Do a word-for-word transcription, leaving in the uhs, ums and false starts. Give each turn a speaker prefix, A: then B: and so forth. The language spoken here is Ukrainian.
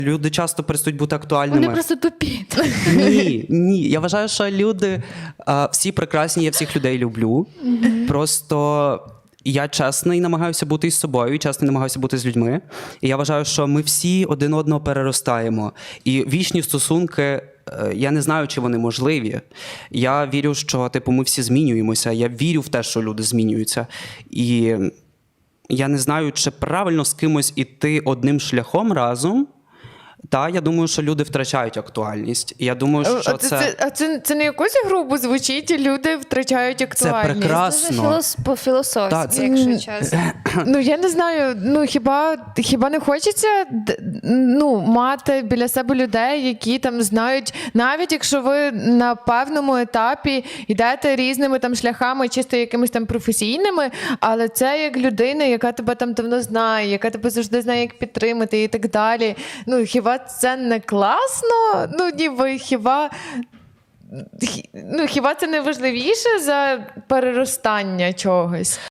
A: Люди часто перестають бути актуальними.
B: Вони просто тупі.
A: Ні, ні. Я вважаю, що люди а, всі прекрасні, я всіх людей люблю. Mm-hmm. Просто я чесний намагаюся бути із собою, чесний намагаюся бути з людьми. І я вважаю, що ми всі один одного переростаємо. І вічні стосунки, я не знаю, чи вони можливі. Я вірю, що типу, ми всі змінюємося. Я вірю в те, що люди змінюються. І я не знаю, чи правильно з кимось іти одним шляхом разом. Та, я думаю, що люди втрачають актуальність. І я думаю, що
C: а це...
A: це...
C: це... А це, це не якось грубо звучить, і люди втрачають актуальність.
A: Це прекрасно.
B: Це філос... по-філософськи,
A: Так, це-
B: якщо чесно.
C: Ну, я не знаю, ну хіба, хіба не хочеться ну, мати біля себе людей, які там знають, навіть якщо ви на певному етапі йдете різними там шляхами, чисто якимись там професійними, але це як людина, яка тебе там давно знає, яка тебе завжди знає, як підтримати і так далі. Ну, хіба це не класно? Ну, ніби хіба... Ну, хіба це не важливіше за переростання чогось?